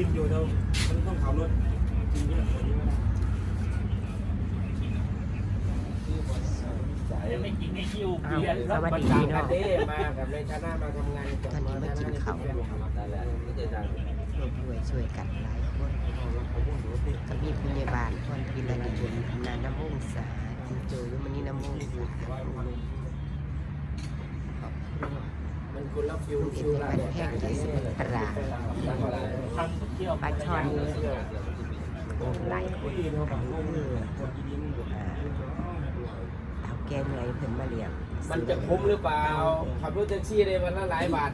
กินอยู่เรามันต้องขับรถกินเยอะกว่านี้ไม่ได้ไม่กินไม่คิวเบียร์แล้วมันต่างกันเด้มากับในคณะมาทำงานตอนนี้มากินข้าวช่วยกันหลายคนก็มีพยาบาลคนพิรดีนาน้ำมุ่งสาจิโจยุมณีน้ำมุ่งสามันคุณรับฟิวบันแพงที่สุดตลาดปลาช่อนหลายคนเอาแกเหนื่อยเพิ่นมาเลี้ยงมันจะคุ้มหรือเปล่าขับรถแท็กซี่ได้วันละหลายบาท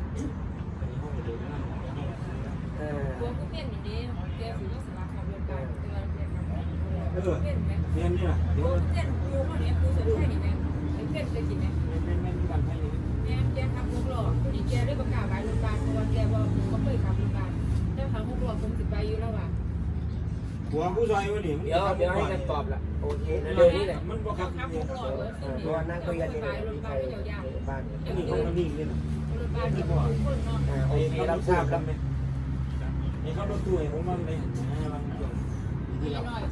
ตัวผู้เล่นอย่างนี้แกถือว่าสมัครขับรถไปเตือนเล่นไหมเล่นเนี่ยผู้เล่นครูคนนี้ครูสนใจนี่ไหมเล่นเคยกินไหมเนี่ยแกทำลูกหล่อผู้ดีแกได้ประกาศไว้โรงพยาบาลเพราะว่าแกบอกเขาเคยขับโรงพยาบาลเจ้าของลูกหล่อคงติดใบอยู่แล้วว่ะหัวผู้ชายวะนี่เดี๋ยวให้กันตอบละโอเคเร็วนี้แหละมันบอกครับลูกหล่อตัวนั่งคุยกันที่บ้านบ้านนี่เขานิ่งเลยนะโรงพยาบาลที่บอกคนเนาะโอเครับทราบแล้วนี่เขารถตู้ไอ้ผมมันเลยพี่น้อย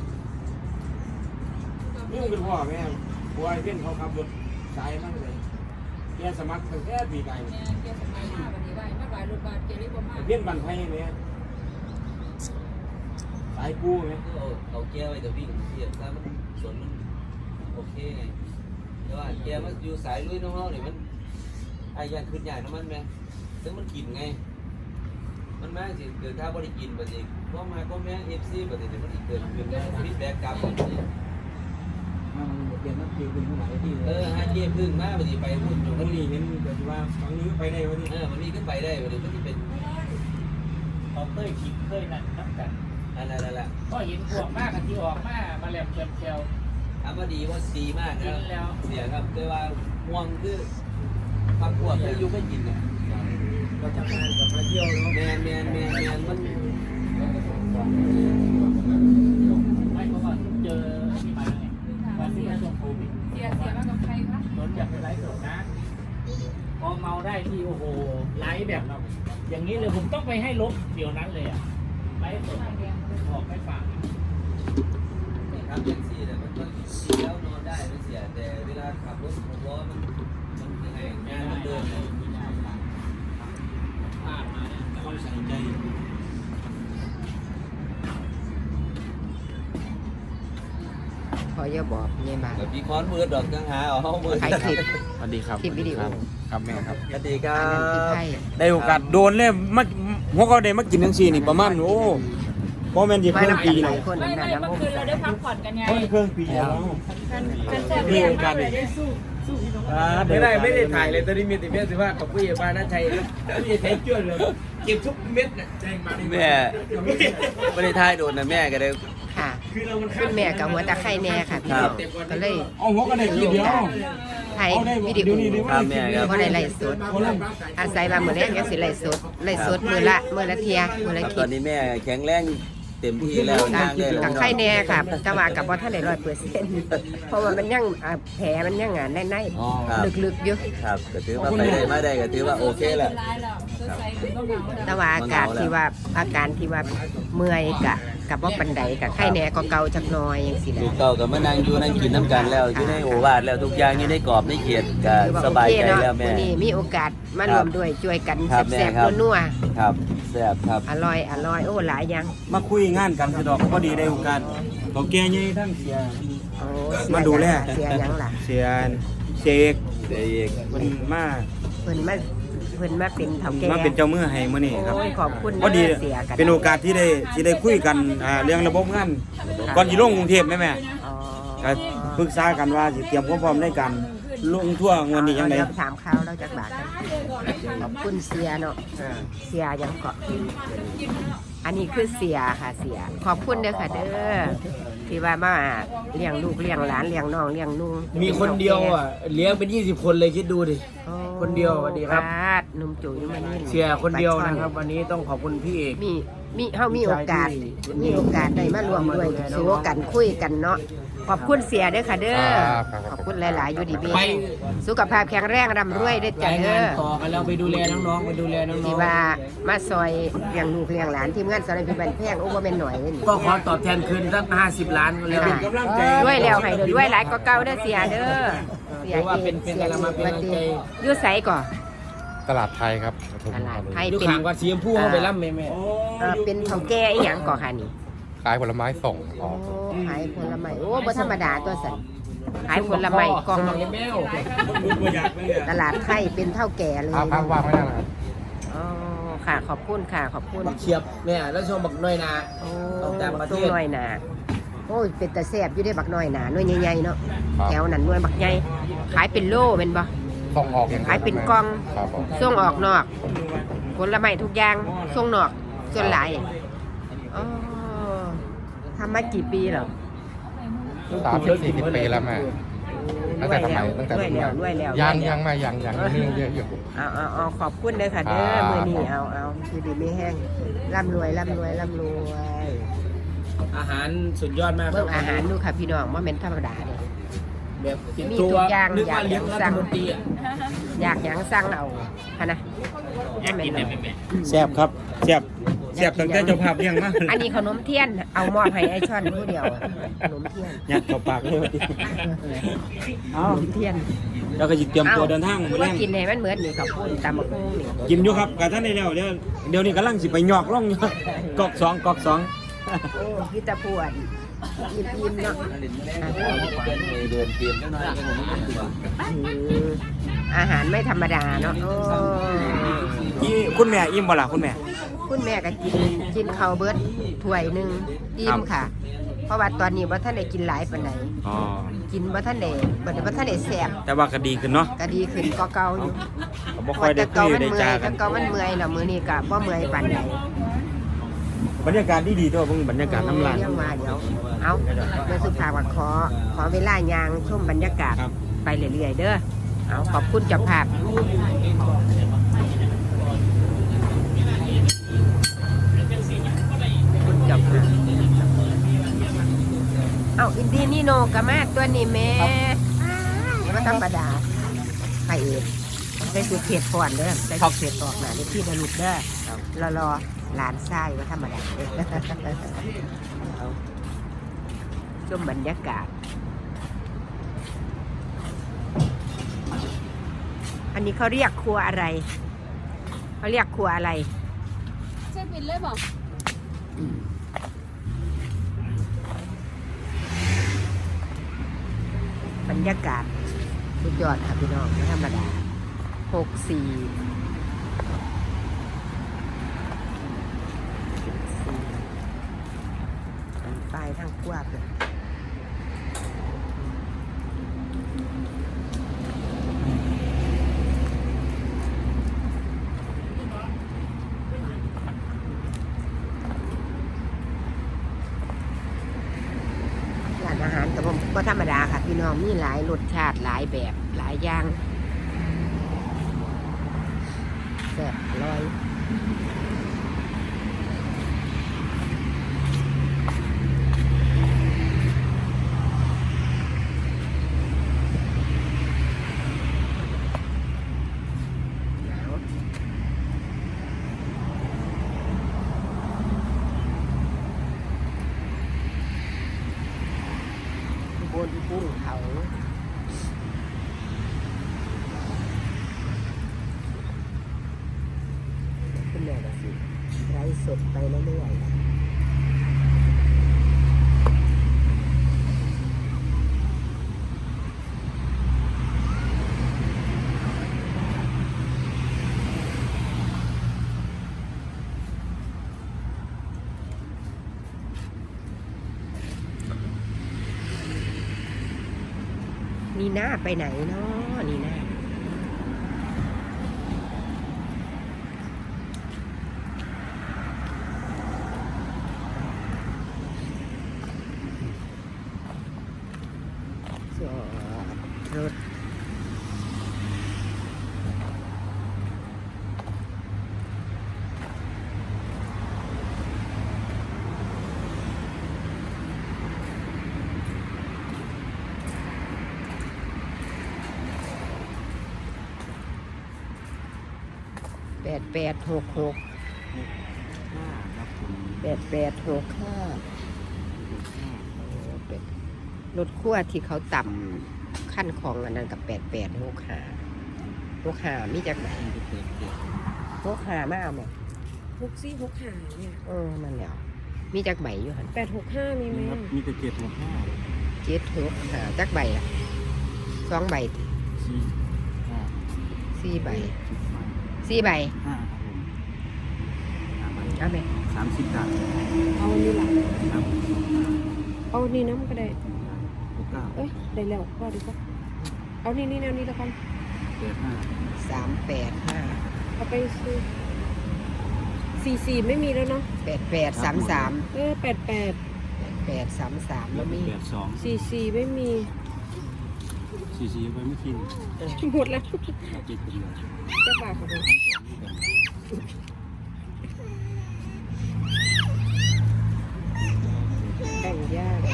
นี่เป็นพ่อแม่ผัวไอ้เพื่อนเขาขับรถสายมั่งเลยแกสมัครตั้งแต่ปีไก่เนี่ยแกสมัยมาวันนี้ได้มาหลายโรงพยาบาลแกเรียกว่ามาเพื่อนบันไทยไหมสายกู้ไหมเอาแก้ไว้แต่วิ่งเทียบถ้ามันสวนมันโอเคไงแต่ว่าแก้มันอยู่สายลุยน้องๆเนี่ยมันไอ้ยันขึ้นใหญ่น้ำมันไหมซึ่งมันกินไงมันแม่สิเกิดถ้าบริกินปฏิก็มาก็แม่เอฟซีปฏิมันอีกเกิดเป็นฟีดแบ็กกลับมันเปลี่ยนนักเกี่ยวกับผู้ไหนที่ฮะเยี่ยมพึ่งมากปฏิไปพูดอยู่วันนี้เห็นแบบว่าฝั่งนี้ก็ไปได้วันนี้วันนี้ก็ไปได้วันนี้ก็จะเป็นเขาเคยคิดเคยนั่นนับกันนั่นแหละก็เห็นพวกมากกันที่ออกมาแหลมเชียวถามว่าดีว่าดีมากนะเสียครับแต่ว่าห่วงคือความปวดคือยุ่งไม่กินเนี่ยเราทำงานกับมาเที่ยวเนาะแมนมันไม่เพราะว่าเจอที่มาไงวันที่ช่วงโควิดเสียมากับใครคะโดนจับไปไลฟ์สดนะพอเมาได้ที่โอ้โหไลฟ์แบบอย่างนี้เลยผมต้องไปให้ลบเดี๋ยวนั้นเลยอ่ะไลฟ์สดออกให้ฟังครับแท็กซี่แต่มันก็ขี่แล้วนอนได้ไม่เสียแต่เวลาขับรถ6 ล้อมันยังไงงานมันเดินเลยต้องใส่ใจพออย่าบอกเนี่ยมาแบบพี่ค้อนมือดอกจังหาเอามือถ่ายคลิปสวัสดีครับคลิปวิดีโอครับแม่ครับสวัสดีครับได้โอกาสโดนเลยมาหัวเขาได้มากินทั้ง4นี่ประมาณโอ้เพราะแม่นสิเครื่องปีเนาะไม่เมื่อคืนเราได้พักผ่อนกันไงเครื่องปีแล้วมีโอกาสไม่ได้ถ่ายเลยตอนนี้มีแต่แม่สิว่ากับผู้ใหญ่บ้านน่าชัยผู้ใหญ่ไทยจ้วนเลยเก็บทุกเม็ดน่ะแจ้งมาแม่ไม่ได้ถ่ายโดนนะแม่ก็ได้ค่ะคุณแม่กับหัวตะไคร่แน่ค่ะพี่ก็เลยเอาหัวก็ได้ทีเดียวถ่ายวิดีโอเพราะได้ไลฟ์สดอาศัยมาเหมือนแรกยังสิไลฟ์สดมือละเทียมือละคลิปตอนนี้แม่แข็งแรงเต็มที่แล้วนั่งได้แล้วกับไข้แน่ค่ะจะว่ากับว่าท่านได้100%เพราะว่ามันยังแผลมันยังในลึกๆอยู่ครับก็ถือว่าไปได้มาได้ก็ถือว่าโอเคแล้วแต่ว่าอาการที่ว่าเมื่อยกับว่าปันไดกับไข้แน่ก็เกาจักน้อยอย่างสิลูกเก่ากับมานั่งอยู่นั่งกินน้ำกันแล้วอยู่ในโอวาทแล้วทุกอย่างอยู่ในกรอบในเขียดก็สบายใจแล้วแม่นี่มีโอกาสมารวมด้วยช่วยกันแซ่บๆนัวๆครับแซ่บครับอร่อยโอ้หลายอย่างมาคุยงานกันสิดอกพอดีได้โอกาสเขาแก่ใหญ่ทั้งเสียมาดูแลเสียยังล่ะเสียเสกเพิ่นมาเป็นเฒ่าแก่มาเป็นเจ้ามือให้มื้อนี้ครับขอบคุณพอดีเป็นโอกาสที่ได้คุยกันเรื่องระบบงานก่อนสิลงกรุงเทพแม่ก็ปรึกษากันว่าสิเตรียมความพร้อมในการลงทั่วงานนี้จังได๋ถามข่าวเราจักบาทกันขอบคุณเสียเนาะเสียยังเกาะอันนี้คือเสียค่ะเสียขอบคุณเด้อค่ะเด้อที่ว่ามาเลี้ยงลูกเลี้ยงหลานเลี้ยงน้องเลี้ยงนุ่งมีคนเดียวอ่ะเลี้ยงเป็น20คนเลยคิดดูดิคนเดียวสวัสดีครับนุ่มจุ๋ยมานี่เสียคนเดียวนะครับวันนี้ต้องขอบคุณพี่เอกมีโอกาสได้มารวมด้วยโซกันคุยกันเนาะขอบคุณเสียเด้อค่ะเด้อครับขอบคุณหลายๆอยู่ดีมีไปสุขภาพแข็งแรงร่ำรวยเด้อจ้ะรายเด้งานอต่อกันแล้วไปดูแลน้องๆไปดูแลน้องที่ว่ามาซอยเลี้ยงลูกเลี้ยงหลานทีมงานสารพิบันแพงโอ้บ่แม่นหน่อยนี่ๆก็ขอตอบแทนคืนสัก50 ล้านก็แล้วค่ะกำลังใจด้วยแล้วให้ด้วยหลายก็เก่าเด้อเสียเด้อเสียถือว่าเป็นกำลังมาเป็นกำลังใจอยู่ไสก่อตลาดไทยครับตลาดไทยอยู่เป็นข้างวัดสีชมพูเข้าไปล่ำแม่เป็นเฒ่าแก่อีหยังก่อค่ะนี่ขายผลไม้ส่งอโอ้อกขายผลไม้โอ้บ่ธรรมดาตัวสันขายผลไม้กล่องแมวตลาดไทยเป็นเท่าแก่เลยภาพว่างไม่ได้นะครับอ๋อค่ะขอบคุณค่ะขอบคุณบักเชียบแม่แล้วชมบักน้อยนาโอ้ต้องตามประเทศต้องน้อยหนาโอ้ยเป็นตาแซ่บอยู่ได้บักน้อยหนาหน่วยใหญ่ๆเนาะแถวนั้นหน่วยบักใหญ่ขายเป็นโลเป็นบ่ส่งออกอย่างดีวขายเป็นกล่องครับผมส่งออกนอกผลไม้ทุกอย่างส่งนอกส่วนหลายอ๋อทำมากี่ปีแล้ว 30-40 ปีแล้วแม่ตั้งแต่สมัยตั้งแต่ด้วยแล้วด้วยแล้วยังไม่ยังเรื่องเยอะอยู่เอาขอบคุณเลยค่ะเด้อครับมือนี้เอาคือดีไม่แห้งร่ำรวยร่ำรวยร่ำรวยอาหารสุดยอดมากคเบิ่รังอาหารดูค่ะพี่น้องว่าเป็นธรรมดาเลยแบบติดมีตัทุวกอย่างนึกว่าอยากเลี้ยงรัสั่ฐงมนตรีอ่ะอยากหยังสั่งเอาค่ะนะอยากกินเนี่ยแม่แซ่บครับแซ่บแซ่บตั้งแต่เจ้าภาพเลี้ยงมาอันนี้ขนมเทียนเอามอบให้ไอช่อนผู้เดียวขนมเทียนยัดเข้าปากเลยว่าติขนมเทียนเราก็สิเตรียมตัวเดินทางมื้อว่าแรงกินให้มันเหมือนนี่กับปุ้นตำมะกุ้งนี่กินอยู่ครับกะท่านได้แล้วเดี๋ยวนี้กำลังสิไปหยอกล่องอยู่กอกสองโอ้พิตาพวนอิ่มๆเนาะเดินเตรียมได้น้อยกันผมไม่ตัวอาหารไม่ธรรมดาเนาะโอ้คุณแม่อิ่มบ่ล่ะคุณแม่คุณแม่ก็กินข้าวเบิดถ้วยหนึงอิ่มค่ะ เพราะว่าตอนนี้บ่ท่านได้กินหลายปานใดอ๋อกินบ่ท่านได้บ่ท่านได้แซ่บแต่ว่าก็ดีขึ้นเนาะก็ดีขึ้นก็เก่าอยู่ก็บ่ค่อยได้คุยได้จากันแต่เก่ามันเมื่อยแล้วมื้อนี้ก็บ่เมื่อยปานใดบรรยากาศดีๆตัวเบิ่งบรรยากาศน้ำลายเรื่องว่าเดี๋ยวเอาเมื่อสุภาพว่าขอเวลายางชมบรรยากาศครับไปเรื่อยๆเด้อเอาขอบคุณเจ้าภาพคุณเจ้าภาพเอาอินดีนี่โนกะมาตัวนี้แม่ไม่ธรรมดาใครเอกใส่สุดเขตก่อนเด้อใส่สุดเขตออกหนาในที่ระลุดเด้อรอหลานไส้ว่าธรรมดาเด้อเอาชมบรรยากาศ อันนี้เขาเรียกครัวอะไร เขาเรียกครัวอะไรเช็คบินเลยบอกบรรยากาศสุดยอดค่ะพี่น้องไม่ธรรมดา64ป้ายทั้งกว้างเลยร้านอาหารแต่ผมก็ธรรมดาค่ะพี่น้องมีหลายรสชาติหลายแบบหลายอย่างแซ่บร้อยบนภูเขาคุณแม่ก็สิไร้สดไปเรื่อยๆนี่หน้าไปไหนเนาะนี่หน้าจอดรถ 8866 ครับผม 8865รถขั้วที่เขาต่ำขั้นของอันนั้นกับ8865มีจากไหน65มาเอาไหม 6465เนี่ยนั่นแหละมีจากใบอยู่หัน 865มีไหมครับมีแต่765 765จักใบอ่ะ2ใบ 4ใบ4ใบ 5ครับผม5ใบเอาไหม 30บาทเอาอันนี้ล่ะครับเอาอันนี้น้ำก็ได้ 69 เอ้ยได้แล้วพอดีกว่าเอานี่แนวนี้แล้วกัน 85 385 เอาไปซื้อ44ไม่มีแล้วเนาะ 8833 88 833แล้วมี 82 44ไม่มี 44ไปไม่กินหมดแล้วเอาเจ็ดไปเลยจะฝากเขาไปแบ่งยาก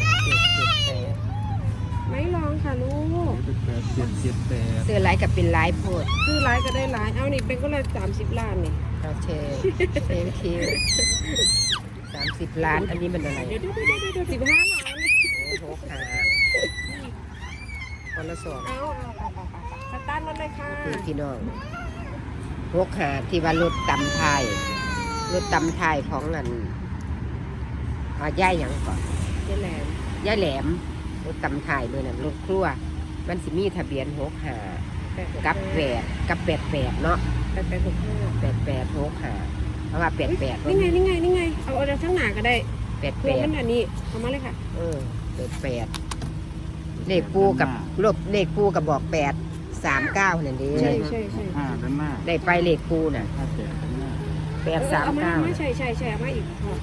ไม่ลองค่ะลูก 778 เสื้อลายกับเป็นลายโพดซื้อร้ายก็ได้ร้ายเอานี่เป็นก็เลย30 ล้านนี่โอเคเซนคิว30 ล้านอันนี้มันอะไรเดี๋ยว15 ล้านโอ้โหขาคนละสองเอาสตาร์ทรถเลยค่ะคือพี่น้องหกขาที่ว่ารถตำไทยรถตำไทยของอันย่ายหยังก่อนนี่แหละย่ายแหลมรถตำไทยด้วยนะรถครัวมันสิมีทะเบียนหกขากับ88เนาะ 8865 88หกขาเพราะว่า88 นี่ไงเอาอะไรทั้งหนาก็ได้เพื่อมัน 88 อันนี้เอามาเลยค่ะ 88เลขปูกับเลขปูกับบอก839นั่นเองใช่ 5ด้านหน้าได้ไปเลขปูน่ะ 58ด้านหน้าเอามา 839 ใช่เอามาอีก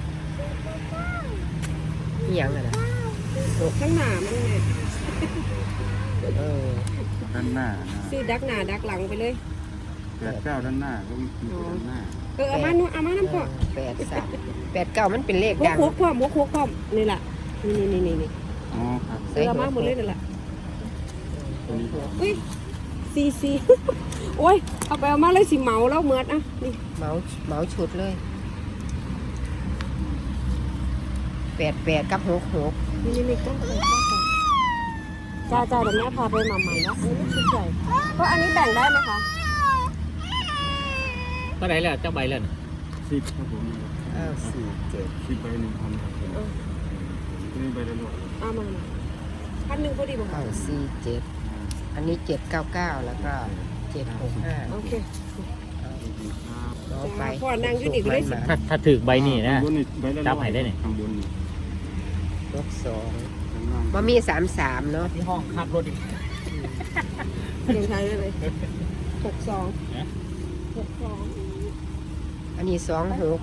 นี่ยังน่ะทั้งหนามันไงเออด้านหน้านะซื้อดักหนาดักหลังไปเลย 89ด้านหน้าก็มีด้านหน้าเอามาน้ำพอ 89มันเป็นเลขหัวดังโคกพร้อมหัวโคกพร้อมนี่แหละนี่อ๋อครับเอามาหมดเลยนั่นแหละตัวนี้อุ้ยซีโอ้ยเอาไปเอามาเลยสิเหมาแล้วเมือดอ่ะนี่เมาชุดเลย88กับ66 นี่ต้องไปจ้าเดี๋ยวแม่พาไปมาใหม่นะอันนี้ไม่ชุดใหญ่เพราะอันนี้แบ่งได้ไหมคะเท่าไหร่แล้วเจ้าใบแล้วน่ะ 10ครับผม 947 10ใบ1,000ครับผมนี่ใบละร้อยเอามา1,000พอดีบ่คะ 947อันนี้799แล้วก็765 โอเคน้องไปพ่อนั่งอยู่นี่ก็ได้สิถ้าถือใบนี่นะข้างบนใบละจับให้ได้นี่ข้างบนนี่ลบ2 ข้างล่างมันมี33เนาะที่ห้องขับรถอีกเรียงไทยได้เลย62 อันนี้26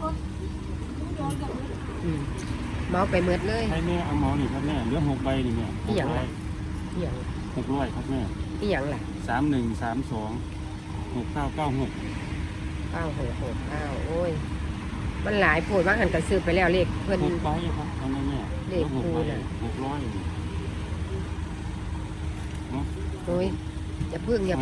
เมาไปเมืดเลยให้แม่เอาหมอนี่ครับแม่เหลือ6ใบนี่แม่นี่หยังล่ะ นี่หยัง 600ครับแม่นี่หยังล่ะ 3132 6996 9669โอ้ยมันหลายโพดว่าหันกระซื้อไปแล้วเลขเพิ่น 6ใบครับเอาแม่แม่เลขคูณน่ะ 600 โอ้ยอย่าพึ่งเนี่ย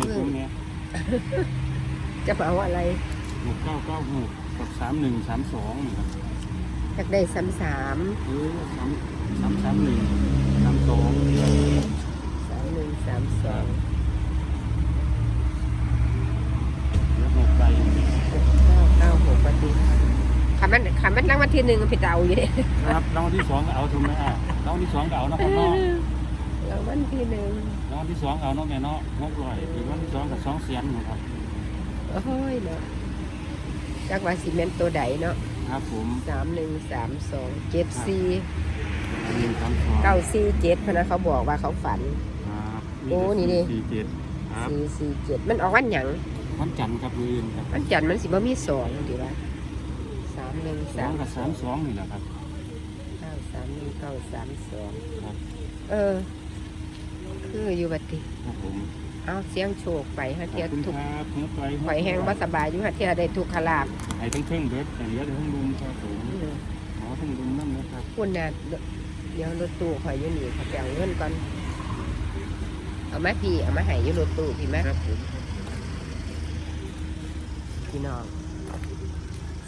จะเอาอะไร 6996กับ3132นี่ครับอยากได้33 331 32 3132 แล้ว6ใบ 996ปฏิคันมันรางวัลที่1มันผิดเอาอยู่เด้ครับรางวัลที่2ก็เอาถูกไหมรางวัลที่2ก็เอานะครับเนาะรางวัลที่รางวัลที่2เอาเนาะแม่เนาะ600รางวัลที่2กับ200,000นะครับ 1โอ้ยเนาะจักว่าสิเมนตัวใดเนาะครับผม 3132 74 132 947พะนะเขาบอกว่าเขาฝันครับโอ้นี่ดิ 47ครับ 447มันออกวันหยังวันจันทร์ครับมื้อครับวันจันทร์มันสิบ่มี2ดีว่า 2กับ32นี่แหละครับ 931 ครับคืออยู่บัดนี้ครับผมเอาเสียงโชคไปฮะขเทียอบคุณทุกครับเนื้อไปข่อยแห้งบ่สบายอยู่ฮะเทียได้ทุกขลาบให้ทั้งเครื่องเบิดแต่เหลือแต่ทั้งลุมครับผมหมอทั้งลุมนั่นนะครับคุณน่ะเดี๋ยวรถตู้ข่อยอยู่นี่เขาไปเอาเงินก่อนเอามาพี่เอามาให้อยู่รถตู้พี่มาครับผมพี่น้อง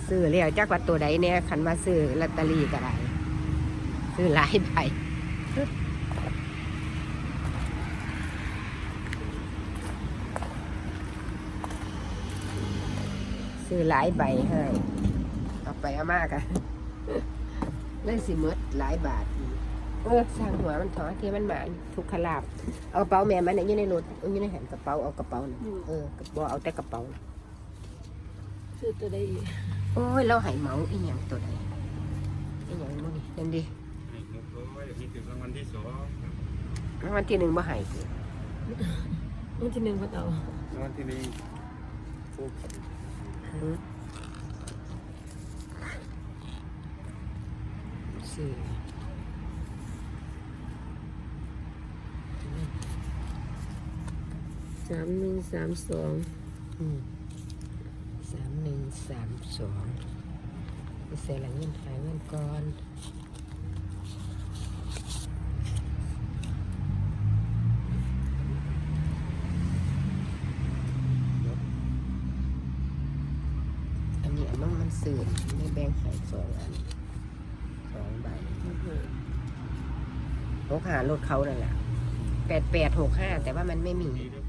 ซื้อแล้วจักว่าตัวใดแน่คันว่าซื้อลอตเตอรี่ก็ได้ซื้อหลายใบซื้อหลายใบให้เอาไปเอามากอะเลยสิหมดหลายบาทสร้างหัวมันถอที่มันหมานทุกขลาบเอากระเป๋าแม่มันอยู่ในรถอยู่ในแหนกระเป๋าเอากระเป๋าน่ะบ่เอาแต่กระเป๋าซื้อตัวใดอีกโอ้ยเราให้เหมาอีหยังตัวใดอีหยังมื้อนี้นั่นดิรางวัลที่สองรางวัลที่หนึ่งบ่ให้สิวันที่หนึ่งพ่อเต่ารางวัลที่หนึ่งสี่ 3132 3132ไปเสียละเงินหายเงินก่อนอันนี้อันน้องมันสื่อไม่แบ่งใหาย2 อัน2 ใบ65รถเขานั่นแหละ8865แต่ว่ามันไม่มี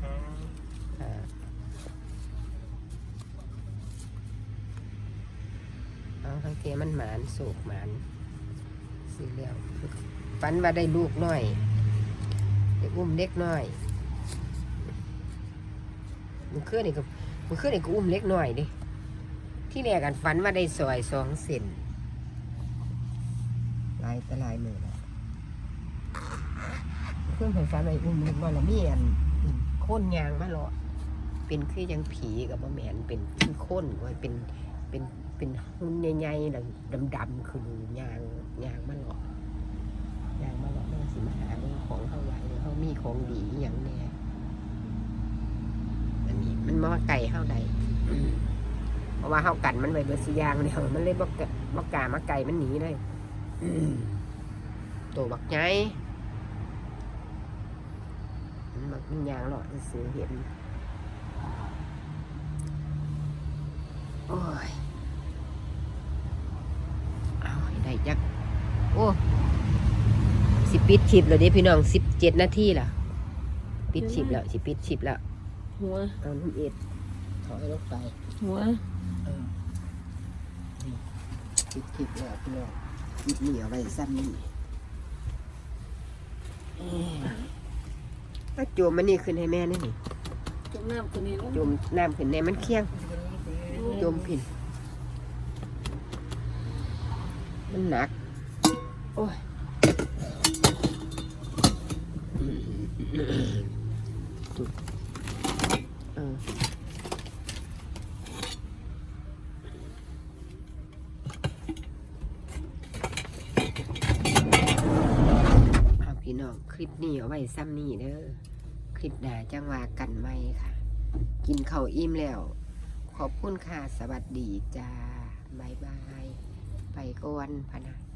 เอาทั้งเกมันหมานโศกหมานสิเลี้ยวฝันว่าได้ลูกน้อยได้อุ้มเล็กน้อยมันขึ้นอีกก็อุ้มเล็กน้อยดิที่แรกกันฝันว่าได้ซอย2 เซนลายตะลายมือแล้วเพื่อนผมฝันว่าอุ้มเล็กน้อยแล้วมีอันโค่นยางมาหรอเป็นคือยังผีกับบ่แม่นเป็นคือโค่นไว้เป็นหุ่นใหญ่ๆดำๆคือยางมาหลอกมันสิมาหาเรื่องของเขาไว้เขามีของดีอย่างแน่อันนี้มันมาไก่เข้าใดเพราะว่าเข้ากันมันไว้เบอร์สิยางเนี่ยมันเลยบอกกามาไก่มันหนีเลยตัวบักใหญ่มันยางหลอดซื้อเห็นโอ้ยได้จักโอ้สิปิดชิปแล้วเด้พี่น้อง17 นาทีล่ะปิดชิปแล้วสิปิดชิปแล้วหัวเอาน้ำเอ็ดถอยลงไปหัวปิดชิปแล้วพี่น้องปิดเหนียวไว้ซ้ำนี่ถ้าโจมมันนี่ขึ้นให้แม่นี่นี่จุ่มน้ำตัวนี้แล้วโจมน้ำขึ้นในมันเคี่ยงโจมผินมันหนักโอ้ยจุดพี่น้องคลิปนี้เอาไว้ซ้ำนี่เด้อคลิปหน้าจังว่ากันไหมค่ะกินข้าวอิ่มแล้วขอบคุณค่ะสวัสดีจ้าบ๊ายบายไปก่อนพะนะ